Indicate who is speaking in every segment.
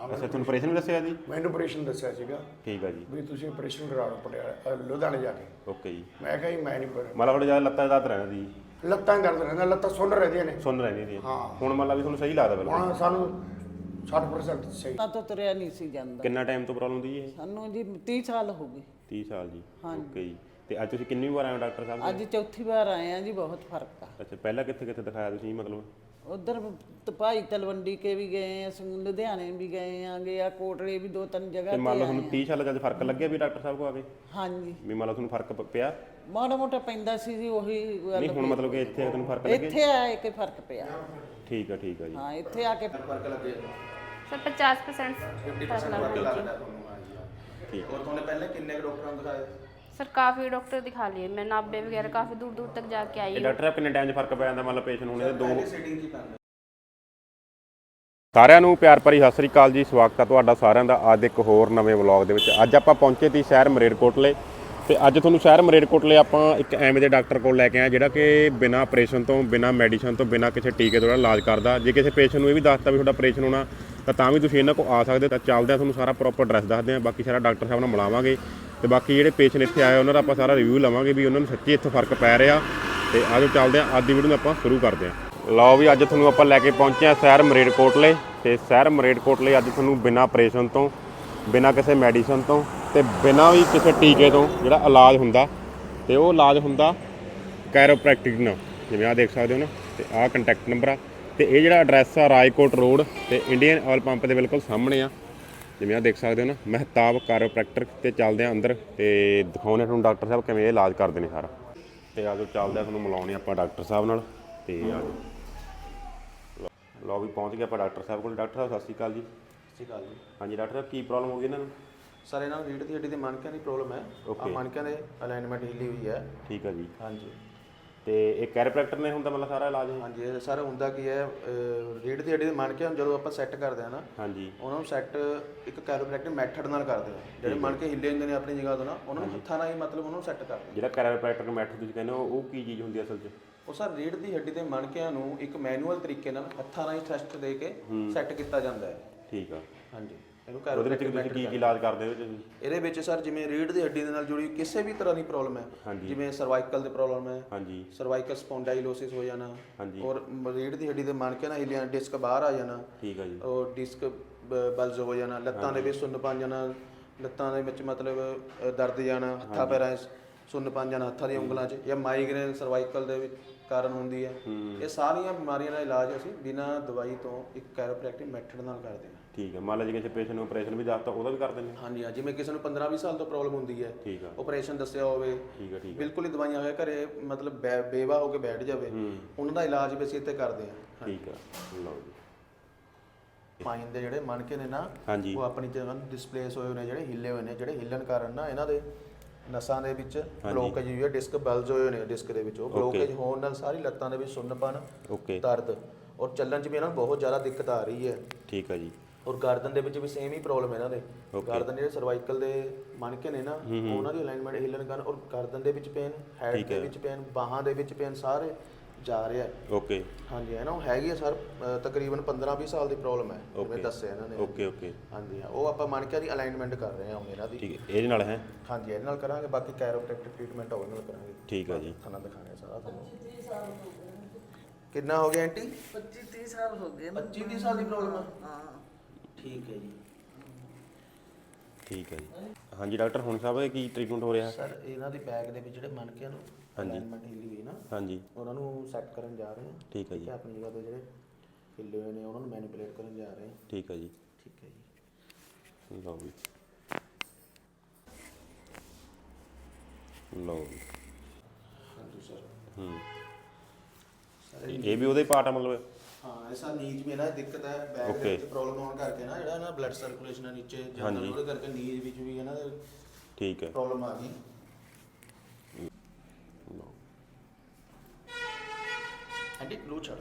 Speaker 1: ਅੱਛਾ ਤੁਹਾਨੂੰ ਆਪਰੇਸ਼ਨ ਵੀ ਦੱਸਿਆ ਜੀ?
Speaker 2: ਮੈਨੂੰ ਆਪਰੇਸ਼ਨ ਦੱਸਿਆ ਸੀਗਾ
Speaker 1: ਠੀਕ ਆ ਜੀ।
Speaker 2: ਵੀ ਤੁਸੀਂ ਆਪਰੇਸ਼ਨ ਕਰਾ ਲਓ ਪਟਿਆਲਾ ਲੁਧਿਆਣੇ ਜਾ ਕੇ।
Speaker 1: ਓਕੇ ਜੀ।
Speaker 2: ਮੈਂ ਕਿਹਾ ਜੀ ਮੈਂ ਨਹੀਂ
Speaker 1: ਮਤਲਬ ਥੋੜਾ ਜਿਆਦਾ ਲੱਤਾਂ ਦਾ ਦਰਦ ਰਹਿੰਦਾ ਜੀ?
Speaker 2: ਲੱਤਾਂ ਦਰਦ ਰਹਿੰਦਾ, ਲੱਤਾਂ ਸੁੰਨ ਰਹਿੰਦੀਆਂ ਨੇ।
Speaker 1: ਸੁਣ ਰਹਿੰਦੀ ਸੀ
Speaker 2: ਹਾਂ।
Speaker 1: ਹੁਣ ਮਤਲਬ ਵੀ ਤੁਹਾਨੂੰ ਸਹੀ ਲੱਗਦਾ ਬਿਲਕੁਲ?
Speaker 2: ਹੁਣ ਸਾਨੂੰ 60% ਸਹੀ।
Speaker 3: ਤਾਂ ਤੁਰਿਆ ਨਹੀਂ ਸੀ ਜਾਂਦਾ।
Speaker 1: ਕਿੰਨਾ ਟਾਈਮ ਤੋਂ ਪ੍ਰੋਬਲਮ ਦੀ ਇਹ?
Speaker 3: ਸਾਨੂੰ ਜੀ 30 ਸਾਲ ਹੋ ਗਏ।
Speaker 1: 30 ਸਾਲ ਜੀ।
Speaker 3: ਹਾਂਜੀ।
Speaker 1: ਓਕੇ ਜੀ। ਤੇ ਅੱਜ ਤੁਸੀਂ ਕਿੰਨੀ ਵਾਰ ਆਏ ਹੋ ਡਾਕਟਰ ਸਾਹਿਬ?
Speaker 3: ਅੱਜ ਚੌਥੀ ਵਾਰ ਆਏ ਆ ਜੀ, ਬਹੁਤ ਫਰਕ ਆ।
Speaker 1: ਅੱਛਾ ਪਹਿਲਾਂ ਕਿੱਥੇ ਕਿੱਥੇ ਦਿਖਾਇਆ ਤੁਸੀਂ ਮਤਲਬ?
Speaker 3: ਉਧਰ ਭਾਈ ਤਲਵੰਡੀ ਕੇ ਵੀ ਗਏ, ਅਸੀਂ ਲੁਧਿਆਣੇ ਵੀ ਗਏ ਆਂਗੇ, ਆ ਕੋਟਲੇ ਵੀ 2-3 ਜਗ੍ਹਾ
Speaker 1: ਤੇ
Speaker 3: ਤੇ
Speaker 1: ਮੰਨ ਲਓ
Speaker 3: ਆਏ
Speaker 1: ਤੁਹਾਨੂੰ 30 ਸਾਲ ਜਦ ਫਰਕ ਲੱਗਿਆ ਵੀ ਡਾਕਟਰ ਸਾਹਿਬ ਕੋ ਆ ਕੇ?
Speaker 3: ਹਾਂਜੀ।
Speaker 1: ਵੀ ਮੰਨ ਲਓ ਤੁਹਾਨੂੰ ਫਰਕ ਪਿਆ?
Speaker 3: ਮਾੜਾ ਮੋਟਾ ਪੈਂਦਾ ਸੀ ਜੀ, ਉਹੀ ਗੱਲ।
Speaker 1: ਨਹੀਂ ਹੁਣ ਮਤਲਬ ਕਿ ਇੱਥੇ ਆ ਕੇ ਤੁਹਾਨੂੰ ਫਰਕ ਲੱਗਿਆ?
Speaker 3: ਇੱਥੇ ਆਏ ਕਿ ਫਰਕ ਪਿਆ।
Speaker 1: ਠੀਕ ਆ ਜੀ।
Speaker 3: ਹਾਂ ਇੱਥੇ ਆ ਕੇ
Speaker 2: ਫਰਕ ਲੱਗੇ
Speaker 4: ਸਰ 50% ਫਰਕ ਲੱਗ ਗਿਆ।
Speaker 1: ਠੀਕ।
Speaker 2: ਔਰ ਤੁਹਾਨੂੰ ਪਹਿਲੇ ਕਿੰਨੇ ਡਾਕਟਰਾਂ ਨੂੰ ਦਿਖਾਇਆ?
Speaker 4: सर काफ़ी डॉक्टर दिखा लिए, मैं नाभे वगैरह काफ़ी दूर दूर तक जाके आई
Speaker 1: ਇਹ
Speaker 4: हूँ।
Speaker 1: ਡਾਕਟਰ ਸਾਹਿਬ ਕਿੰਨੇ ਟਾਈਮ 'ਚ ਫਰਕ ਪੈ ਜਾਂਦਾ ਮੰਨ ਲਓ ਪੇਸ਼ੈਂਟ ਨੂੰ? ਇਹਦੇ ਦੋ
Speaker 2: ਸੀਟਿੰਗ ਕੀ ਪੈਂਦਾ?
Speaker 1: ਸਾਰਿਆਂ ਨੂੰ ਪਿਆਰ ਭਰੀ ਸਤਿ ਸ੍ਰੀ ਅਕਾਲ ਜੀ। ਸਵਾਗਤ ਹੈ ਤੁਹਾਡਾ ਸਾਰਿਆਂ ਦਾ ਅੱਜ ਇੱਕ ਹੋਰ ਨਵੇਂ ਵਲੌਗ ਦੇ ਵਿੱਚ। ਅੱਜ ਆਪਾਂ ਪਹੁੰਚੇ ਸੀ ਸ਼ਹਿਰ ਮਰੇਟਕੋਟਲੇ ਤੇ ਅੱਜ ਤੁਹਾਨੂੰ ਸ਼ਹਿਰ ਮਰੇਟਕੋਟਲੇ ਆਪਾਂ ਇੱਕ ਐਵੇਂ ਦੇ ਡਾਕਟਰ ਕੋਲ ਲੈ ਕੇ ਆਏ ਜਿਹੜਾ ਕਿ ਬਿਨਾਂ ਆਪਰੇਸ਼ਨ ਤੋਂ, ਬਿਨਾਂ ਮੈਡੀਸਨ ਤੋਂ, ਬਿਨਾਂ ਕਿਸੇ ਟੀਕੇ ਤੋਂ ਇਲਾਜ ਕਰਦਾ। ਜੇ ਕਿਸੇ ਪੇਸ਼ੈਂਟ ਨੂੰ ਇਹ ਵੀ ਦੱਸਤਾ ਵੀ ਤੁਹਾਡਾ ਆਪਰੇਸ਼ਨ ਹੋਣਾ ਤਾਂ ਵੀ ਤੁਸੀਂ ਇਹਨਾਂ ਕੋਲ ਆ ਸਕਦੇ। ਤਾਂ ਚੱਲਦੇ ਆ, ਤੁਹਾਨੂੰ ਸਾਰਾ ਪ੍ਰੋਪਰ ਐਡਰੈਸ ਦੱਸਦੇ ਆ, ਬਾਕੀ ਸਾਰਾ ਡਾਕਟਰ ਸਾਹਿਬ ਨਾਲ ਮਿਲਾਵਾਂਗੇ ਤੇ ਬਾਕੀ ਜਿਹੜੇ ਪੇਸ਼ੈਂਟ ਇੱਥੇ ਆਏ ਉਹਨਾਂ ਦਾ ਆਪਾਂ ਸਾਰਾ ਰਿਵਿਊ ਲਵਾਂਗੇ ਵੀ ਉਹਨਾਂ ਨੂੰ ਸੱਚੀ ਇੱਥੇ ਫਰਕ ਪੈ ਰਿਹਾ। ਤੇ ਆਜੋ ਚੱਲਦੇ ਆ, ਅੱਜ ਦੀ ਵੀਡੀਓ ਨੂੰ ਆਪਾਂ ਸ਼ੁਰੂ ਕਰਦੇ ਹਾਂ। ਲਓ ਵੀ ਅੱਜ ਤੁਹਾਨੂੰ ਆਪਾਂ ਲੈ ਕੇ ਪਹੁੰਚੇ ਆ ਸ਼ਹਿਰ ਮਰੇਟਕੋਟਲੇ ਤੇ ਸ਼ਹਿਰ ਮਰੇਟਕੋਟਲੇ ਅੱਜ ਤੁਹਾਨੂੰ ਬਿਨਾਂ ਆਪਰੇਸ਼ਨ ਤੋਂ, ਬਿਨਾਂ ਕਿਸੇ ਮੈਡੀਸਨ ਤੋਂ ਤੇ ਬਿਨਾਂ ਵੀ ਕਿਸੇ ਟੀਕੇ ਤੋਂ ਜਿਹੜਾ ਇਲਾਜ ਹੁੰਦਾ ਤੇ ਉਹ ਇਲਾਜ ਹੁੰਦਾ ਕੈਰੋਪ੍ਰੈਕਟਿਕ ਨਾਲ, ਜਿਵੇਂ ਆਹ ਦੇਖ ਸਕਦੇ ਹੋ ਨਾ। ਤੇ ਆਹ ਕੰਟੈਕਟ ਨੰਬਰ ਆ ਤੇ ਇਹ ਜਿਹੜਾ ਐਡਰੈਸ ਆ ਰਾਜਕੋਟ ਰੋਡ ਤੇ ਇੰਡੀਅਨ ਆਇਲ ਪੰਪ ਦੇ ਬਿਲਕੁਲ ਸਾਹਮਣੇ ਆ, ਜਿਵੇਂ ਆਹ ਦੇਖ ਸਕਦੇ ਹੋ ਨਾ, ਮਹਿਤਾਬ ਕੈਰੋਪ੍ਰੈਕਟਰ। ਤੇ ਚੱਲਦੇ ਆ ਅੰਦਰ ਤੇ ਦਿਖਾਉਂਦੇ ਤੁਹਾਨੂੰ ਡਾਕਟਰ ਸਾਹਿਬ ਕਿਵੇਂ ਇਹ ਇਲਾਜ ਕਰਦੇ ਨੇ ਸਾਰਾ। ਤੇ ਆਜੋ ਚੱਲਦੇ ਆ, ਤੁਹਾਨੂੰ ਮਿਲਾਉਣੇ ਆਪਾਂ ਡਾਕਟਰ ਸਾਹਿਬ ਨਾਲ। ਤੇ ਆਜੋ ਲਓ ਵੀ ਪਹੁੰਚ ਗਏ ਆਪਾਂ ਡਾਕਟਰ ਸਾਹਿਬ ਕੋਲ। ਡਾਕਟਰ ਸਾਹਿਬ ਸਤਿ ਸ਼੍ਰੀ ਅਕਾਲ ਜੀ।
Speaker 2: ਸਤਿ ਸ਼੍ਰੀ ਅਕਾਲ ਜੀ।
Speaker 1: ਹਾਂਜੀ ਡਾਕਟਰ ਸਾਹਿਬ ਕੀ ਪ੍ਰੋਬਲਮ ਹੋ ਗਈ ਇਹਨਾਂ ਨੂੰ?
Speaker 2: ਸਰ ਇਹਨਾਂ ਨੂੰ ਰੀੜ੍ਹ ਦੀ ਹੱਡੀ ਦੇ ਮਣਕਿਆਂ ਦੀ ਪ੍ਰੋਬਲਮ ਹੈ। ਆ ਮਣਕਿਆਂ ਦੇ ਅਲਾਈਨਮੈਂਟ ਹਿੱਲੀ ਹੋਈ ਹੈ।
Speaker 1: ਠੀਕ ਹੈ ਜੀ।
Speaker 2: ਹਾਂਜੀ।
Speaker 1: ਤੇ ਇਹ ਕੈਰੋਪ੍ਰੈਕਟਰ ਨੇ ਹੁੰਦਾ ਮਤਲਬ ਸਾਰਾ ਇਲਾਜ?
Speaker 2: ਹਾਂਜੀ ਸਰ ਹੁੰਦਾ ਕੀ ਹੈ, ਰੀੜ੍ਹ ਦੀ ਹੱਡੀ ਦੇ ਮਣਕਿਆਂ ਨੂੰ ਜਦੋਂ ਆਪਾਂ ਸੈੱਟ ਕਰਦੇ ਹਾਂ ਨਾ,
Speaker 1: ਹਾਂਜੀ,
Speaker 2: ਉਹਨਾਂ ਨੂੰ ਸੈੱਟ ਇੱਕ ਕੈਰੋਪ੍ਰੈਕਟਿਕ ਮੈਥਡ ਨਾਲ ਕਰਦੇ ਹਾਂ। ਜਿਹੜੇ ਮਣਕੇ ਹਿੱਲੇ ਹੁੰਦੇ ਨੇ ਆਪਣੀ ਜਗ੍ਹਾ ਤੋਂ ਨਾ, ਉਹਨਾਂ ਨੂੰ ਹੱਥਾਂ ਨਾਲ ਹੀ ਮਤਲਬ ਉਹਨਾਂ ਨੂੰ ਸੈੱਟ ਕਰਦੇ ਹਾਂ।
Speaker 1: ਜਿਹੜਾ ਕੈਰੋਪ੍ਰੈਕਟਰ ਮੈਥਡ ਤੁਸੀਂ ਕਹਿੰਦੇ ਹੋ ਉਹ ਕੀ ਚੀਜ਼ ਹੁੰਦੀ ਹੈ ਅਸਲ 'ਚ?
Speaker 2: ਉਹ ਸਰ ਰੀੜ੍ਹ ਦੀ ਹੱਡੀ ਦੇ ਮਣਕਿਆਂ ਨੂੰ ਇੱਕ ਮੈਨੂਅਲ ਤਰੀਕੇ ਨਾਲ ਹੱਥਾਂ ਨਾਲ ਹੀ ਥ੍ਰਸਟ ਦੇ ਕੇ ਸੈੱਟ ਕੀਤਾ ਜਾਂਦਾ ਹੈ।
Speaker 1: ਠੀਕ ਆ।
Speaker 2: ਹਾਂਜੀ। ਇਹਨੂੰ
Speaker 1: ਉਹਦੇ ਵਿੱਚ
Speaker 2: ਕੈਰੋਪ੍ਰੈਕਟਿਕ
Speaker 1: ਤੁਸੀਂ ਕੀ ਇਲਾਜ ਕਰਦੇ ਹੋ ਤੁਸੀਂ?
Speaker 2: ਇਹਦੇ ਵਿੱਚ ਸਰ ਜਿਵੇਂ ਰੀੜ੍ਹ ਦੀ ਹੱਡੀ ਦੇ ਨਾਲ ਜੁੜੀ ਕਿਸੇ ਵੀ ਤਰ੍ਹਾਂ ਦੀ ਪ੍ਰੋਬਲਮ ਹੈ, ਜਿਵੇਂ ਸਰਵਾਈਕਲ ਦੀ ਪ੍ਰੋਬਲਮ ਹੈ,
Speaker 1: ਹਾਂਜੀ,
Speaker 2: ਸਰਵਾਈਕਲ ਸਪੌਂਡਾਈਲੋਸਿਸ ਹੋ ਜਾਣਾ,
Speaker 1: ਹਾਂਜੀ,
Speaker 2: ਔਰ ਰੀੜ੍ਹ ਦੀ ਹੱਡੀ ਦੇ ਮਣਕੇ ਨਾਲ ਹਿੱਲਿਆ ਡਿਸਕ ਬਾਹਰ ਆ ਜਾਣਾ,
Speaker 1: ਠੀਕ ਆ ਜੀ,
Speaker 2: ਔਰ ਡਿਸਕ ਬਲਜ ਹੋ ਜਾਣਾ, ਲੱਤਾਂ ਦੇ ਵਿੱਚ ਸੁੰਨ ਪਾ ਜਾਣਾ, ਲੱਤਾਂ ਦੇ ਵਿੱਚ ਮਤਲਬ ਦਰਦ ਜਾਣਾ, ਹੱਥਾਂ ਪੈਰਾਂ 'ਚ ਸੁੰਨ ਪਾ ਜਾਣਾ, ਹੱਥਾਂ ਦੀਆਂ ਉਂਗਲਾਂ 'ਚ, ਜਾਂ ਮਾਈਗ੍ਰੇਨ ਸਰਵਾਈਕਲ ਦੇ ਵਿੱਚ ਕਾਰਨ ਹੁੰਦੀ ਹੈ। ਇਹ ਸਾਰੀਆਂ ਬਿਮਾਰੀਆਂ ਦਾ ਇਲਾਜ ਅਸੀਂ ਬਿਨਾਂ ਦਵਾਈ ਤੋਂ ਇੱਕ ਕੈਰੋਪ੍ਰੈਕਟਿਕ ਮੈਥਡ ਨਾਲ ਕਰਦੇ ਹਾਂ।
Speaker 1: ਠੀਕ ਹੈ। ਮੰਨ ਲਓ ਜੇ ਕਿਸੇ ਪੇਸ਼ੈਂਟ ਨੂੰ ਆਪਰੇਸ਼ਨ ਵੀ ਦੱਸਤਾ ਉਹਦਾ ਵੀ ਕਰ ਦਿੰਦੇ?
Speaker 2: ਹਾਂਜੀ ਹਾਂ, ਜਿਵੇਂ ਕਿਸੇ ਨੂੰ 15-20 ਸਾਲ ਤੋਂ ਪ੍ਰੋਬਲਮ ਹੁੰਦੀ ਹੈ,
Speaker 1: ਠੀਕ ਆ,
Speaker 2: ਆਪਰੇਸ਼ਨ ਦੱਸਿਆ ਹੋਵੇ,
Speaker 1: ਠੀਕ ਆ, ਠੀਕ ਆ,
Speaker 2: ਬਿਲਕੁਲ ਹੀ ਦਵਾਈਆਂ ਹੋਇਆ ਘਰੇ ਮਤਲਬ ਬੇਵਾ ਹੋ ਕੇ ਬੈਠ ਜਾਵੇ, ਉਹਨਾਂ ਦਾ ਇਲਾਜ ਵੀ ਅਸੀਂ ਇੱਥੇ ਕਰਦੇ ਹਾਂ।
Speaker 1: ਠੀਕ ਆ। ਲਓ ਜੀ।
Speaker 2: ਸਪਾਈਨ ਦੇ ਜਿਹੜੇ ਮਣਕੇ ਨੇ ਨਾ,
Speaker 1: ਹਾਂਜੀ,
Speaker 2: ਉਹ ਆਪਣੀ ਜਗ੍ਹਾ ਨੂੰ ਡਿਸਪਲੇਸ ਹੋਏ ਨੇ, ਜਿਹੜੇ ਹਿੱਲੇ ਹੋਏ ਨੇ, ਜਿਹੜੇ ਹਿੱਲਣ ਕਾਰਨ ਨਾ ਇਹਨਾਂ ਦੇ ਨਸਾਂ ਦੇ ਵਿੱਚ ਬਲੋਕੇਜ ਹੋਈ ਹੈ, ਡਿਸਕ ਬਲਜ ਹੋਏ ਨੇ ਡਿਸਕ ਦੇ ਵਿੱਚ। ਉਹ ਬਲੋਕੇਜ ਹੋਣ ਨਾਲ ਸਾਰੀ ਲੱਤਾਂ ਦੇ ਵਿੱਚ ਸੁੰਨਪਨ,
Speaker 1: ਓਕੇ,
Speaker 2: ਦਰਦ ਔਰ ਚੱਲਣ 'ਚ ਵੀ ਇਹਨਾਂ ਨੂੰ ਬਹੁਤ ਜ਼ਿਆਦਾ ਦਿੱਕਤ ਆ ਰਹੀ ਹੈ।
Speaker 1: ਠੀਕ ਆ ਜੀ।
Speaker 2: ਔਰ ਗਰਦਨ ਦੇ ਵਿੱਚ ਵੀ ਸੇਮ ਹੀ ਪ੍ਰੋਬਲਮ ਹੈ ਇਹਨਾਂ ਦੇ। ਗਰਦਨ ਜਿਹੜੇ ਸਰਵਾਈਕਲ ਦੇ ਮਣਕੇ ਨੇ ਨਾ, ਉਹਨਾਂ ਦੀ ਅਲਾਈਨਮੈਂਟ ਹਿੱਲਣ ਕਾਰਨ ਔਰ ਗਰਦਨ ਦੇ ਵਿੱਚ ਪੇਨ, ਹੈਡ ਦੇ ਵਿੱਚ ਪੇਨ, ਬਾਹਾਂ ਦੇ ਵਿੱਚ ਪੇਨ, ਸਾਰੇ ਜਾ ਰਿਹਾ।
Speaker 1: ਓਕੇ।
Speaker 2: ਹਾਂਜੀ ਹੈ ਨਾ, ਉਹ ਹੈਗੀ ਹੈ ਸਰ ਤਕਰੀਬਨ 15-20 ਸਾਲ ਦੀ ਪ੍ਰੋਬਲਮ ਹੈ, ਜਿਵੇਂ ਦੱਸਿਆ ਇਹਨਾਂ ਨੇ।
Speaker 1: Okay okay.
Speaker 2: ਹਾਂਜੀ ਹਾਂ, ਉਹ ਆਪਾਂ ਮਣਕਿਆਂ ਦੀ ਅਲਾਈਨਮੈਂਟ ਕਰ ਰਹੇ ਹਾਂ ਹੁਣ ਇਹਨਾਂ ਦੀ।
Speaker 1: ਠੀਕ ਹੈ। ਇਹਦੇ ਨਾਲ ਹੈ?
Speaker 2: ਹਾਂਜੀ ਇਹਦੇ ਨਾਲ ਕਰਾਂਗੇ, ਬਾਕੀ ਕੈਰੋਪ੍ਰੈਕਟਿਕ ਟ੍ਰੀਟਮੈਂਟ ਉਹਦੇ ਨਾਲ ਕਰਾਂਗੇ।
Speaker 1: ਠੀਕ ਆ ਜੀ।
Speaker 2: ਖਾਣਾ ਦਿਖਾਣੇ ਸਾਰਾ ਤੁਹਾਨੂੰ। ਕਿੰਨਾ ਹੋ ਗਿਆ ਆਂਟੀ?
Speaker 3: 25-30 ਸਾਲ ਹੋ ਗਏ।
Speaker 2: 25-30 ਸਾਲ ਦੀ ਪ੍ਰੋਬਲਮ ਆ?
Speaker 3: ਹਾਂ।
Speaker 2: ਠੀਕ ਹੈ ਜੀ।
Speaker 1: ਠੀਕ ਹੈ ਜੀ। ਹਾਂਜੀ ਡਾਕਟਰ ਹੁਣ ਸਾਹਿਬ ਇਹ ਕੀ ਟ੍ਰੀਟਮੈਂਟ ਹੋ ਰਿਹਾ?
Speaker 2: ਸਰ ਇਹਨਾਂ ਦੀ ਬੈਕ ਦੇ ਵਿੱਚ ਜਿਹੜੇ ਮਣਕਿਆਂ ਨੂੰ ਅਲਾਈਨਮੈਂਟ ਹਿੱਲੀ ਹੋਈ ਨਾ,
Speaker 1: ਹਾਂਜੀ,
Speaker 2: ਉਹਨਾਂ ਨੂੰ ਸੈੱਟ ਕਰਨ ਜਾ ਰਹੇ ਹਾਂ।
Speaker 1: ਠੀਕ ਹੈ ਜੀ।
Speaker 2: ਆਪਣੀ ਜਗ੍ਹਾ ਤੋਂ ਜਿਹੜੇ ਹਿੱਲੇ ਹੋਏ ਨੇ ਉਹਨਾਂ ਨੂੰ ਮੈਨੀਪੂਲੇਟ ਕਰਨ ਜਾ ਰਹੇ ਹਾਂ।
Speaker 1: ਠੀਕ ਹੈ ਜੀ।
Speaker 2: ਠੀਕ ਹੈ ਜੀ।
Speaker 1: ਲਓ ਜੀ। ਲਓ ਜੀ।
Speaker 2: ਹਾਂਜੀ ਸਰ।
Speaker 1: ਇਹ ਵੀ ਉਹਦੇ ਪਾਰਟ ਆ ਮਤਲਬ?
Speaker 2: ਹਾਂ, ਐਸਾ ਨੀਜ ਮੇਂ ਨਾ ਦਿੱਕਤ ਹੈ, ਬੈਕ ਦੇ ਵਿੱਚ ਪ੍ਰੋਬਲਮ ਹੋਣ ਕਰਕੇ ਨਾ, ਜਿਹੜਾ ਨਾ ਬਲੱਡ ਸਰਕੂਲੇਸ਼ਨ ਹੈ ਨੀਚੇ ਜਾਂਦਾ, ਉਹਦੇ ਕਰਕੇ ਨੀਜ ਵਿੱਚ ਵੀ ਇਹਨਾਂ ਦੇ
Speaker 1: ਠੀਕ ਹੈ
Speaker 2: ਪ੍ਰੋਬਲਮ ਆ ਗਈ। ਐਂਟੀ ਗਲੂ ਛੱਡ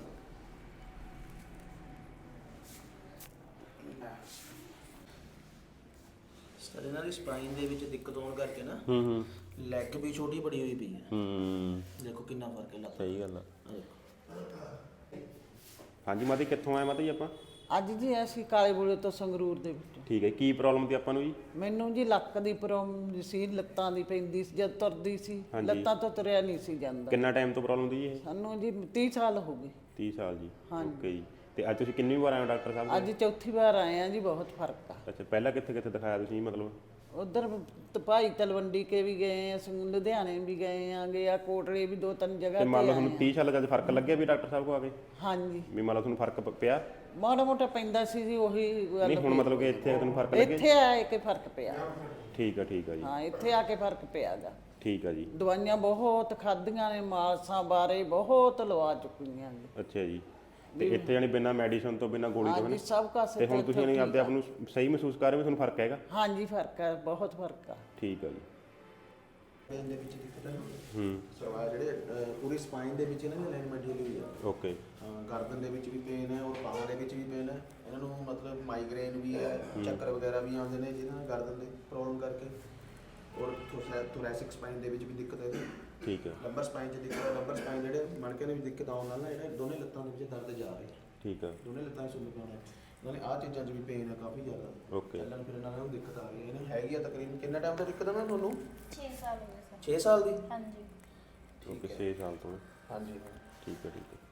Speaker 2: ਸਰ, ਇਹਨਾਂ ਦੀ ਸਪਾਈਨ ਦੇ ਵਿੱਚ ਦਿੱਕਤ ਹੋਣ ਕਰਕੇ ਨਾ, ਲੈਗ ਵੀ ਛੋਟੀ ਬੜੀ ਹੋਈ ਪਈ ਹੈ। ਦੇਖੋ ਕਿੰਨਾ ਫਰਕ ਹੈ ਲੱਤ।
Speaker 1: ਸਹੀ ਗੱਲ ਆ। ਹਾਂਜੀ ਮਾਤਾ ਜੀ ਕਿੱਥੋਂ ਆਏ ਮਾਤਾ ਜੀ ਆਪਾਂ?
Speaker 3: ਅੱਜ ਜੀ ਅਸੀਂ ਕਾਲੇ ਬੂਲੇ ਤੋਂ ਸੰਗਰੂਰ ਦੇ ਵਿੱਚ।
Speaker 1: ਠੀਕ ਹੈ, ਕੀ ਪ੍ਰੋਬਲਮ ਸੀ ਆਪਾਂ ਨੂੰ ਜੀ?
Speaker 3: ਮੈਨੂੰ ਜੀ ਲੱਕ ਦੀ ਪ੍ਰੋਬਲਮ ਸੀ, ਲੱਤਾਂ ਦੀ ਪੈਂਦੀ ਸੀ, ਜਦ ਤੁਰਦੀ ਸੀ ਲੱਤਾਂ ਤੋਂ ਤੁਰਿਆ ਨਹੀਂ ਸੀ ਜਾਂਦਾ।
Speaker 1: ਕਿੰਨਾ ਟਾਈਮ ਤੋਂ ਪ੍ਰੋਬਲਮ ਦੀ ਇਹ?
Speaker 3: ਸਾਨੂੰ ਜੀ 30 ਸਾਲ ਹੋ ਗਏ।
Speaker 1: 30 ਸਾਲ ਜੀ। ਓਕੇ ਜੀ। ਤੇ ਅੱਜ ਤੁਸੀਂ ਕਿੰਨੀ ਵਾਰ ਆਏ ਹੋ ਡਾਕਟਰ ਸਾਹਿਬ?
Speaker 3: ਅੱਜ ਚੌਥੀ ਵਾਰ ਆਏ ਆ ਜੀ, ਬਹੁਤ ਫਰਕ ਆ।
Speaker 1: ਅੱਛਾ, ਪਹਿਲਾਂ ਕਿੱਥੇ ਕਿੱਥੇ ਦਿਖਾਇਆ ਤੁਸੀਂ ਮਤਲਬ?
Speaker 3: ਉਧਰ ਭਾਈ ਤਲਵੰਡੀ ਕੇ ਵੀ ਗਏ ਆ, ਲੁਧਿਆਣੇ ਵੀ ਗਏ ਆਂਗੇ, ਆ ਕੋਟਲੇ ਵੀ 2-3 ਜਗ੍ਹਾ
Speaker 1: ਤੇ
Speaker 3: ਤੇ
Speaker 1: ਮੰਨ ਲਓ
Speaker 3: ਆਏ
Speaker 1: ਤੁਹਾਨੂੰ 30 ਸਾਲ ਜਦ ਫਰਕ ਲੱਗਿਆ ਵੀ ਡਾਕਟਰ ਸਾਹਿਬ ਕੋ ਆ ਕੇ?
Speaker 3: ਹਾਂਜੀ,
Speaker 1: ਵੀ ਮੰਨ ਲਓ ਤੁਹਾਨੂੰ ਫਰਕ ਪਿਆ?
Speaker 3: ਮਾੜਾ ਮੋਟਾ ਪੈਂਦਾ ਸੀ ਜੀ, ਉਹੀ ਗੱਲ।
Speaker 1: ਨਹੀਂ ਹੁਣ ਮਤਲਬ ਕਿ ਇੱਥੇ ਤੁਹਾਨੂੰ ਫਰਕ ਲੱਗਿਆ?
Speaker 3: ਇੱਥੇ ਆਏ ਕੇ ਫਰਕ ਪਿਆ।
Speaker 1: ਠੀਕ ਆ ਜੀ।
Speaker 3: ਹਾਂ, ਇੱਥੇ ਆ ਕੇ ਫਰਕ ਪਿਆਗਾ।
Speaker 1: ਠੀਕ ਆ ਜੀ।
Speaker 3: ਦਵਾਈਆਂ ਬਹੁਤ ਖਾਧੀਆਂ ਨੇ, ਮਾਸਾਂ ਬਾਰੇ ਬਹੁਤ ਲਵਾ ਚੁੱਕੀਆਂ ਜੀ।
Speaker 1: ਅੱਛਾ ਜੀ। ਤੇ ਇੱਥੇ ਯਾਨੀ ਬਿਨਾਂ ਮੈਡੀਸਨ ਤੋਂ, ਬਿਨਾਂ ਗੋਲੀ ਤੋਂ?
Speaker 3: ਹਾਂਜੀ, ਸਭ ਕਾਸੇ
Speaker 1: ਤੇ ਹੁਣ ਤੁਸੀਂ ਯਾਨੀ ਆਪਦੇ ਆਪ ਨੂੰ ਸਹੀ ਮਹਿਸੂਸ ਕਰ ਰਹੇ ਹੋ? ਤੁਹਾਨੂੰ ਫਰਕ ਹੈਗਾ?
Speaker 3: ਹਾਂਜੀ, ਫਰਕ ਹੈ, ਬਹੁਤ ਫਰਕ ਆ।
Speaker 1: ਠੀਕ ਆ ਜੀ।
Speaker 2: ਪੇਨ ਦੇ ਵਿੱਚ ਦਿੱਕਤ ਹੈ ਸਵਾ ਜਿਹੜੇ ਪੂਰੀ ਸਪਾਈਨ ਦੇ ਵਿੱਚ ਇਹਨਾਂ ਦੀ ਅਲਾਈਨਮੈਂਟ ਹਿੱਲੀ ਹੋਈ ਹੈ।
Speaker 1: ਓਕੇ।
Speaker 2: ਗਰਦਨ ਦੇ ਵਿੱਚ ਵੀ ਪੇਨ ਹੈ ਔਰ ਬਾਹਾਂ ਦੇ ਵਿੱਚ ਵੀ ਪੇਨ ਹੈ। ਇਹਨਾਂ ਨੂੰ ਮਤਲਬ ਮਾਈਗ੍ਰੇਨ ਵੀ ਹੈ, ਚੱਕਰ ਵਗੈਰਾ ਵੀ ਆਉਂਦੇ ਨੇ ਜਿਹਨਾਂ ਨਾਲ ਗਰਦਨ ਦੀ ਪ੍ਰੋਬਲਮ ਕਰਕੇ। ਔਰ ਥੋਰੈਸਿਕ ਸਪਾਈਨ ਦੇ ਵਿੱਚ ਵੀ ਦਿੱਕਤ ਹੈ।
Speaker 1: ਠੀਕ ਹੈ।
Speaker 2: ਲੰਬਰ ਸਪਾਈਨ 'ਚ ਦਿੱਕਤ ਹੈ। ਲੰਬਰ ਸਪਾਈਨ ਜਿਹੜੇ ਮਣਕੇ ਨੇ ਵੀ ਦਿੱਕਤ ਆਉਣ ਨਾਲ ਨਾ ਜਿਹੜੇ ਦੋਨੇ ਲੱਤਾਂ ਦੇ ਵਿੱਚ ਦਰਦ ਜਾ ਰਹੀ ਹੈ।
Speaker 1: ਠੀਕ ਹੈ।
Speaker 2: ਦੋਨੇ ਲੱਤਾਂ 'ਚ ਸੁੰਨ ਪਾਉਣਾ ਨਾਲੇ ਆਹ ਚੀਜ਼ਾਂ 'ਚ ਵੀ ਪੇਨ ਹੈ ਕਾਫੀ ਜ਼ਿਆਦਾ।
Speaker 1: ਓਕੇ।
Speaker 2: ਚੱਲਣ ਫਿਰਨ ਨਾਲ ਨੂੰ ਦਿੱਕਤ ਆ ਰਹੀ ਹੈ। ਇਹਨੂੰ ਹੈਗੀ ਆ ਤਕਰੀਬਨ ਕਿੰਨਾ ਟਾਈਮ ਤੋਂ ਦਿੱਕਤ ਹੈ ਨਾ ਤੁਹਾਨੂੰ?
Speaker 4: 6 ਸਾਲ ਹੋ ਗਏ ਸਰ।
Speaker 2: 6 ਸਾਲ ਦੀ?
Speaker 4: ਹਾਂਜੀ।
Speaker 1: ਓਕੇ, 6 ਸਾਲ ਤੋਂ।
Speaker 2: ਹਾਂਜੀ।
Speaker 1: ਠੀਕ ਹੈ, ਠੀਕ ਹੈ।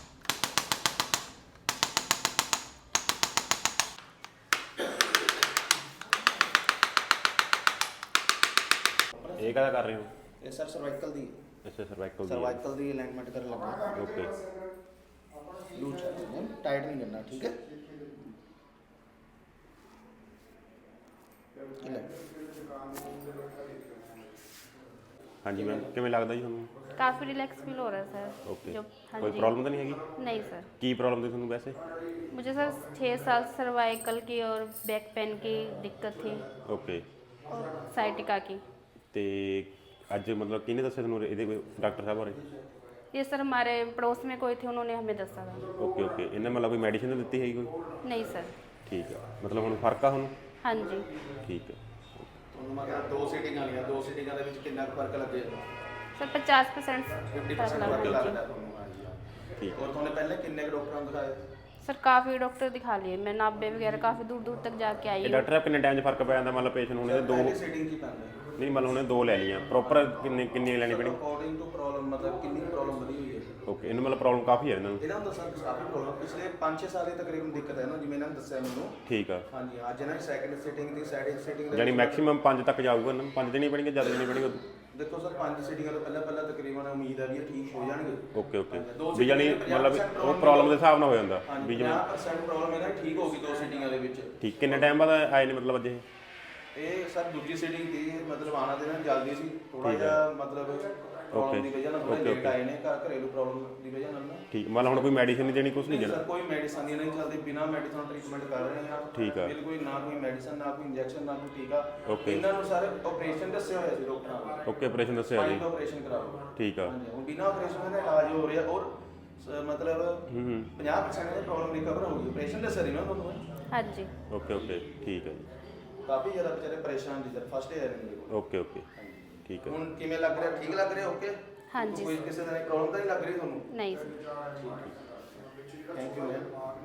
Speaker 1: ਇਹ ਕਾਹਦਾ ਕਰ ਰਹੇ ਹੋ?
Speaker 2: ਇਹ ਸਰ ਸਰਵਾਈਕਲ ਦੀ
Speaker 1: ਅੱਛਾ, ਸਰਵਾਈਕਲ
Speaker 2: ਦੀ ਅਲਾਈਨਮੈਂਟ ਕਰਨ ਲੱਗਾ।
Speaker 1: ਓਕੇ।
Speaker 2: ਲੂਜ਼ ਕਰਨਾ, ਟਾਈਟ ਨਹੀਂ ਕਰਨਾ, ਠੀਕ ਹੈ?
Speaker 1: ਹਾਂਜੀ ਮੈਮ, ਕਿਵੇਂ ਲੱਗਦਾ ਜੀ ਤੁਹਾਨੂੰ?
Speaker 4: काफ़ी रिलैक्स फील हो रहा है सर।
Speaker 1: ओके।
Speaker 4: जो हाँ
Speaker 1: कोई
Speaker 4: जी।
Speaker 1: प्रॉब्लम तो नहीं हैगी?
Speaker 4: नहीं सर।
Speaker 1: ਕੀ ਪ੍ਰੋਬਲਮ ਸੀ ਤੁਹਾਨੂੰ ਵੈਸੇ?
Speaker 4: मुझे सर 6 साल सर्वाइकल की और बैक पेन की दिक्कत थी
Speaker 1: ਓਕੇ।
Speaker 4: और साइटिका की।
Speaker 1: ਤੇ ਅੱਜ ਮਤਲਬ ਕਿਹਨੇ ਦੱਸਿਆ ਤੁਹਾਨੂੰ ਇਹਦੇ ਕੋਈ ਡਾਕਟਰ ਸਾਹਿਬ ਬਾਰੇ?
Speaker 4: ये सर हमारे पड़ोस में कोई थे, उन्होंने हमें दसा था।
Speaker 1: Okay okay. ਇਹਨੇ ਮਤਲਬ ਕੋਈ ਮੈਡੀਸਿਨ ਦਿੱਤੀ ਹੈਗੀ ਕੋਈ?
Speaker 4: नहीं सर।
Speaker 1: ਠੀਕ ਹੈ, ਮਤਲਬ ਹੁਣ ਫਰਕ ਆ ਹੁਣ?
Speaker 4: हाँ जी।
Speaker 1: ਠੀਕ ਹੈ।
Speaker 2: ਤੁਹਾਨੂੰ ਮਤਲਬ 2 ਸੀਟਿੰਗਾਂ ਵਾਲੀਆਂ, 2 ਸੀਟਿੰਗਾਂ ਦੇ ਵਿੱਚ ਕਿੰਨਾ ਕੁ ਫਰਕ ਲੱਗੇਗਾ?
Speaker 4: सर 50%
Speaker 2: 50%
Speaker 4: फर्क
Speaker 2: ਫਰਕ
Speaker 4: लगा।
Speaker 2: ਲੱਗਦਾ ਤੁਹਾਨੂੰ? ਹਾਂਜੀ ਹਾਂ।
Speaker 1: ਠੀਕ।
Speaker 2: ਔਰ ਤੁਹਾਨੂੰ ਪਹਿਲੇ ਕਿੰਨੇ ਕੁ ਡਾਕਟਰਾਂ ਨੂੰ ਦਿਖਾਇਆ?
Speaker 4: सर काफ़ी डॉक्टर दिखा लिए, मैं नाभे वगैरह काफ़ी दूर दूर तक जाके आई
Speaker 1: ਇਹ
Speaker 4: हूँ।
Speaker 1: ਡਾਕਟਰ ਸਾਹਿਬ ਕਿੰਨੇ ਟਾਈਮ 'ਚ ਫਰਕ ਪੈ ਜਾਂਦਾ? ਮਤਲਬ ਪੇਸ਼ੈਂਟ ਹੁਣ ਇਹਦੇ ਦੋ
Speaker 2: ਪਹਿਲੀ ਸੀਟਿੰਗ ਕੀ ਪੈਂਦਾ?
Speaker 1: ਨਹੀਂ ਮਤਲਬ ਉਹਨੇ ਦੋ ਲੈ ਲਈਆਂ ਪ੍ਰੋਪਰ, ਕਿੰਨੀ ਲੈਣੀ ਪੈਣੀ?
Speaker 2: ਅਕੋਰਡਿੰਗ ਟੂ ਪ੍ਰੋਬਲਮ ਮਤਲਬ ਕਿੰਨੀ ਪ੍ਰੋਬਲਮ ਵਧੀ ਹੋਈ ਹੈ?
Speaker 1: ਓਕੇ। ਇਹਨੂੰ ਮਤਲਬ ਪ੍ਰੋਬਲਮ ਕਾਫੀ ਹੈ ਇਹਨਾਂ ਨੂੰ?
Speaker 2: ਇਹਨਾਂ ਨੂੰ ਦੱਸਾਂ ਕਾਫੀ ਪ੍ਰੋਬਲਮ ਪਿਛਲੇ 5-6 ਸਾਲ ਦੀ ਤਕਰੀਬਨ ਦਿੱਕਤ ਹੈ ਨਾ, ਜਿਵੇਂ ਇਹਨਾਂ ਨੇ ਦੱਸਿਆ ਮੈਨੂੰ।
Speaker 1: ਠੀਕ ਆ।
Speaker 2: ਹਾਂਜੀ, ਅੱਜ ਇਹਨਾਂ ਦੀ ਸੈਕਿੰਡ ਸੀਟਿੰਗ ਦੀ ਸੀਟਿੰਗ
Speaker 1: ਯਾਨੀ ਮੈਕਸਿਮਮ 5 ਤੱਕ ਜਾਊਗਾ ਇਹਨਾਂ ਨੂੰ? 5 ਦੇਣੀ ਪੈਣਗੇ, ਜ਼ਿਆਦਾ ਦੇਣੀ ਪੈਣਗੇ?
Speaker 2: ਦੇਖੋ ਸਰ 5 ਸੀਟਿੰਗਾਂ ਤੋਂ ਪਹਿਲਾਂ ਤਕਰੀਬਨ ਉਮੀਦ ਹੈ ਵੀ ਇਹ ਠੀਕ ਹੋ ਜਾਣਗੇ।
Speaker 1: Okay okay. ਵੀ ਯਾਨੀ ਮਤਲਬ ਉਹ ਪ੍ਰੋਬਲਮ ਦੇ ਹਿਸਾਬ ਨਾਲ ਹੋ ਜਾਂਦਾ ਵੀ ਜਿਵੇਂ
Speaker 2: 50% ਪ੍ਰੋਬਲਮ ਇਹਦਾ ਠੀਕ ਹੋ ਗਈ 2 ਸੀਟਿੰਗਾਂ ਦੇ ਵਿੱਚ।
Speaker 1: ਠੀਕ। ਕਿੰਨੇ ਟਾਈਮ ਬਾਅਦ ਆਏ ਨੇ ਮਤਲਬ ਅੱਜ ਇਹ?
Speaker 2: ਇਹ ਸਰ ਦੂਜੀ ਸੀਟਿੰਗ ਦੀ ਮਤਲਬ ਆਣਾ ਦੇਣਾ ਜਲਦੀ ਸੀ, ਥੋੜਾ ਜਿਹਾ ਮਤਲਬ ਪ੍ਰੋਬਲਮ ਦੀ ਵਜ੍ਹਾ ਨਾਲ ਥੋੜਾ ਲੇਟ ਆਏ ਨੇ, ਘਰੇਲੂ ਪ੍ਰੋਬਲਮ ਦੀ ਵਜ੍ਹਾ ਨਾਲ ਨਾ।
Speaker 1: ਠੀਕ। ਮਤਲਬ ਹੁਣ ਕੋਈ ਮੈਡੀਸਿਨ ਨਹੀਂ ਦੇਣੀ, ਕੁਝ ਨਹੀਂ
Speaker 2: ਨਹੀਂ
Speaker 1: ਦੇਣਾ?
Speaker 2: ਸਰ, ਕੋਈ ਮੈਡੀਸਨ ਨਹੀਂ ਚੱਲਦੀ, ਬਿਨਾ ਮੈਡੀਸਨ ਟ੍ਰੀਟਮੈਂਟ ਕਰ ਰਹੇ ਹਾਂ।
Speaker 1: ਠੀਕ ਆ।
Speaker 2: ਬਿਲਕੁਲ ਨਾ ਕੋਈ ਮੈਡੀਸਨ, ਨਾ ਕੋਈ ਇੰਜੈਕਸ਼ਨ, ਨਾ ਕੋਈ ਟੀਕਾ।
Speaker 1: ਓਕੇ।
Speaker 2: ਇਹਨਾਂ ਨੂੰ ਸਰ ਆਪਰੇਸ਼ਨ ਦੱਸਿਆ ਹੋਇਆ ਸੀ ਡਾਕਟਰਾਂ ਨੇ।
Speaker 1: ਓਕੇ, ਆਪਰੇਸ਼ਨ ਦੱਸਿਆ ਜੀ?
Speaker 2: ਆਪਰੇਸ਼ਨ ਕਰਾਓ।
Speaker 1: ਠੀਕ ਆ।
Speaker 2: ਹਾਂਜੀ, ਹੁਣ ਬਿਨਾ ਆਪਰੇਸ਼ਨ ਦਾ ਇਲਾਜ ਹੋ ਰਿਹਾ ਔਰ ਮਤਲਬ 50% ਦੀ ਪ੍ਰੋਬਲਮ ਰਿਕਵਰ ਹੋ ਗਈ। ਆਪਰੇਸ਼ਨ ਦੱਸਿਆ ਸੀ ਨਾ ਤੁਹਾਨੂੰ?
Speaker 4: हाँ जी।
Speaker 1: Okay okay. ਠੀਕ ਹੈ ਜੀ।
Speaker 2: ਕਾਫੀ ਜ਼ਿਆਦਾ ਵਿਚਾਰੇ ਪਰੇਸ਼ਾਨ ਸੀ ਸਰ, ਫਸਟ ਏਅਰ ਨੇ।
Speaker 1: Okay okay. ਠੀਕ ਹੈ।
Speaker 2: ਹੁਣ ਕਿਵੇਂ ਲੱਗ ਰਿਹਾ? ਠੀਕ ਲੱਗ ਰਿਹਾ? ਓਕੇ।
Speaker 4: हाँ जी।
Speaker 2: ਕੋਈ ਕਿਸੇ ਤਰ੍ਹਾਂ ਦੀ ਪ੍ਰੋਬਲਮ ਤਾਂ ਨਹੀਂ ਲੱਗ ਰਹੀ ਤੁਹਾਨੂੰ?
Speaker 4: नहीं सर।
Speaker 2: Thank you ma'am.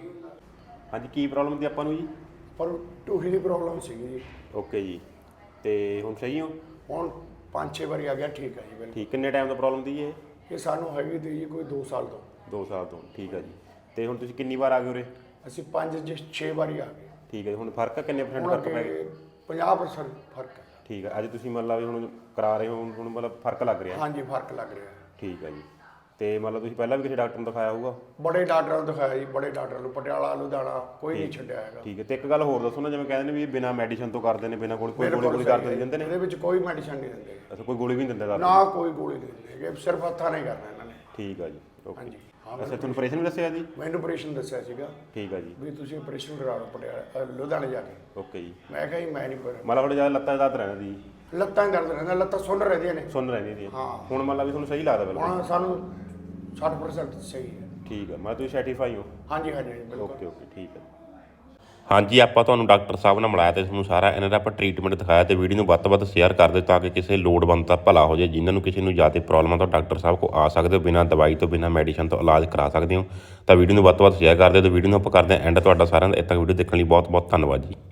Speaker 1: ਹਾਂਜੀ, ਕੀ ਪ੍ਰੋਬਲਮ ਸੀ ਆਪਾਂ ਨੂੰ ਜੀ?
Speaker 5: ਪਰ ਟੂਹੀ ਦੀ ਪ੍ਰੋਬਲਮ ਸੀਗੀ ਜੀ।
Speaker 1: ਓਕੇ ਜੀ। ਤੇ ਹੁਣ ਸਹੀ ਹੋ?
Speaker 5: ਹੁਣ 5-6 ਵਾਰੀ ਆ ਗਿਆ, ਠੀਕ ਹੈ ਜੀ ਬਿਲਕੁਲ।
Speaker 1: ਠੀਕ। ਕਿੰਨੇ ਟਾਈਮ ਤੋਂ ਪ੍ਰੋਬਲਮ ਸੀ ਇਹ?
Speaker 5: ਇਹ ਸਾਨੂੰ ਹੈਗੀ ਤੀ ਜੀ ਕੋਈ 2 ਸਾਲ ਤੋਂ।
Speaker 1: 2 ਸਾਲ ਤੋਂ। ਠੀਕ ਹੈ ਜੀ। ਤੇ ਹੁਣ ਤੁਸੀਂ ਕਿੰਨੀ ਵਾਰ ਆ ਗਏ ਉਰੇ?
Speaker 5: ਅਸੀਂ 5-6 ਵਾਰੀ ਆ ਗਏ।
Speaker 1: ਠੀਕ ਹੈ। ਹੁਣ ਫਰਕ ਆ? ਕਿੰਨੇ %
Speaker 5: ਹੁਣ
Speaker 1: ਫਰਕ ਪੈ ਗਿਆ?
Speaker 5: ਅੱਗੇ 50% ਫਰਕ ਹੈ।
Speaker 1: ਠੀਕ ਹੈ। ਅੱਜ ਤੁਸੀਂ ਮਤਲਬ ਵੀ ਹੁਣ ਕਰਾ ਰਹੇ ਹੋ, ਹੁਣ ਮਤਲਬ ਫਰਕ ਲੱਗ ਰਿਹਾ?
Speaker 5: ਹਾਂਜੀ, ਫਰਕ ਲੱਗ ਰਿਹਾ।
Speaker 1: ਠੀਕ ਹੈ ਜੀ। ਤੇ ਮਤਲਬ ਤੁਸੀਂ ਪਹਿਲਾਂ ਵੀ ਕਿਸੇ ਡਾਕਟਰ ਨੂੰ ਦਿਖਾਇਆ ਹੋਊਗਾ?
Speaker 5: ਬੜੇ ਡਾਕਟਰਾਂ ਨੂੰ ਦਿਖਾਇਆ ਜੀ, ਬੜੇ ਡਾਕਟਰ ਨੂੰ, ਪਟਿਆਲਾ, ਲੁਧਿਆਣਾ, ਕੋਈ ਨਹੀਂ ਛੱਡਿਆ ਹੈਗਾ।
Speaker 1: ਠੀਕ ਹੈ। ਤੇ ਇੱਕ ਗੱਲ ਹੋਰ ਦੱਸੋ ਨਾ, ਜਿਵੇਂ ਕਹਿੰਦੇ ਨੇ ਵੀ ਬਿਨਾਂ ਮੈਡੀਸਨ ਤੋਂ ਕਰਦੇ ਨੇ, ਬਿਨਾਂ ਕੋਈ ਗੋਲੀ ਕਰਦੇ ਦਿੰਦੇ ਨੇ?
Speaker 5: ਇਹਦੇ ਵਿੱਚ ਕੋਈ ਮੈਡੀਸਨ ਨਹੀਂ ਦਿੰਦੇ।
Speaker 1: ਅੱਛਾ, ਕੋਈ ਗੋਲੀ ਵੀ ਨਹੀਂ ਦਿੰਦੇ ਦੱਸ?
Speaker 5: ਨਾ ਕੋਈ ਗੋਲੀ ਨਹੀਂ ਦਿੰਦੇ ਹੈਗੇ, ਸਿਰਫ ਹੱਥਾਂ ਨਾਲ ਹੀ ਕਰਨਾ ਇਹਨਾਂ ਨੇ।
Speaker 1: ਠੀਕ ਆ ਜੀ। ਓਕੇ।
Speaker 5: ਹਾਂਜੀ।
Speaker 1: ਅੱਛਾ, ਤੁਹਾਨੂੰ ਆਪਰੇਸ਼ਨ ਵੀ ਦੱਸਿਆ ਜੀ?
Speaker 5: ਮੈਨੂੰ ਆਪਰੇਸ਼ਨ ਦੱਸਿਆ ਸੀਗਾ
Speaker 1: ਠੀਕ ਆ ਜੀ।
Speaker 5: ਵੀ ਤੁਸੀਂ ਆਪਰੇਸ਼ਨ ਕਰਾ ਲਓ ਪਟਿਆਲਾ, ਲੁਧਿਆਣੇ ਜਾ ਕੇ।
Speaker 1: ਓਕੇ ਜੀ।
Speaker 5: ਮੈਂ ਕਿਹਾ ਜੀ ਮੈਂ ਨਹੀਂ ਕਰ।
Speaker 1: ਮਤਲਬ ਥੋੜਾ ਜਿਆਦਾ ਲੱਤਾਂ 'ਚ ਦਰਦ ਰਹਿੰਦਾ ਜੀ?
Speaker 5: ਲੱਤਾਂ ਹੀ ਦਰਦ ਰਹਿੰਦਾ, ਲੱਤਾਂ ਸੁੰਨ ਰਹਿੰਦੀਆਂ ਨੇ।
Speaker 1: ਸੁਣ ਰਹਿੰਦੀ ਸੀ?
Speaker 5: ਹਾਂ।
Speaker 1: ਹੁਣ ਮਤਲਬ ਵੀ ਤੁਹਾਨੂੰ ਸਹੀ ਲੱਗਦਾ ਬਿਲਕੁਲ?
Speaker 5: ਹੁਣ ਸਾਨੂੰ 60% ਸਹੀ ਹੈ।
Speaker 1: ਠੀਕ ਆ। ਮੈਂ ਤੁਸੀਂ ਸੈਟੀਸਫਾਈ ਹੋ?
Speaker 5: ਹਾਂਜੀ ਹਾਂਜੀ ਬਿਲਕੁਲ।
Speaker 1: Okay okay. ਠੀਕ ਹੈ। ਹਾਂਜੀ, ਆਪਾਂ ਤੁਹਾਨੂੰ ਡਾਕਟਰ ਸਾਹਿਬ ਨਾਲ ਮਿਲਾਇਆ ਤੇ ਤੁਹਾਨੂੰ ਸਾਰਾ ਇਹਨਾਂ ਦਾ ਆਪਾਂ ਟ੍ਰੀਟਮੈਂਟ ਦਿਖਾਇਆ ਤੇ ਵੀਡੀਓ ਨੂੰ ਵੱਧ ਤੋਂ ਵੱਧ ਸ਼ੇਅਰ ਕਰ ਦਿਓ ਤਾਂ ਕਿ ਕਿਸੇ ਲੋੜਵੰਦ ਦਾ ਭਲਾ ਹੋ ਜਾਏ। ਜਿਨ੍ਹਾਂ ਨੂੰ ਕਿਸੇ ਨੂੰ ਜ਼ਿਆਦਾ ਪ੍ਰੋਬਲਮ ਆ ਤਾਂ ਡਾਕਟਰ ਸਾਹਿਬ ਕੋਲ ਆ ਸਕਦੇ ਹੋ, ਬਿਨਾਂ ਦਵਾਈ ਤੋਂ ਬਿਨਾਂ ਮੈਡੀਸਨ ਤੋਂ ਇਲਾਜ ਕਰਾ ਸਕਦੇ ਹੋ। ਤਾਂ ਵੀਡੀਓ ਨੂੰ ਵੱਧ ਤੋਂ ਵੱਧ ਸ਼ੇਅਰ ਕਰ ਦਿਓ ਤੇ ਵੀਡੀਓ ਨੂੰ ਆਪਾਂ ਕਰਦੇ ਹਾਂ ਐਂਡ। ਤੁਹਾਡਾ ਸਾਰਿਆਂ ਦਾ ਇੱਥੇ ਤੱਕ ਵੀਡੀਓ ਦੇਖਣ ਲਈ ਬਹੁਤ ਬਹੁਤ ਧੰਨਵਾਦ ਜੀ।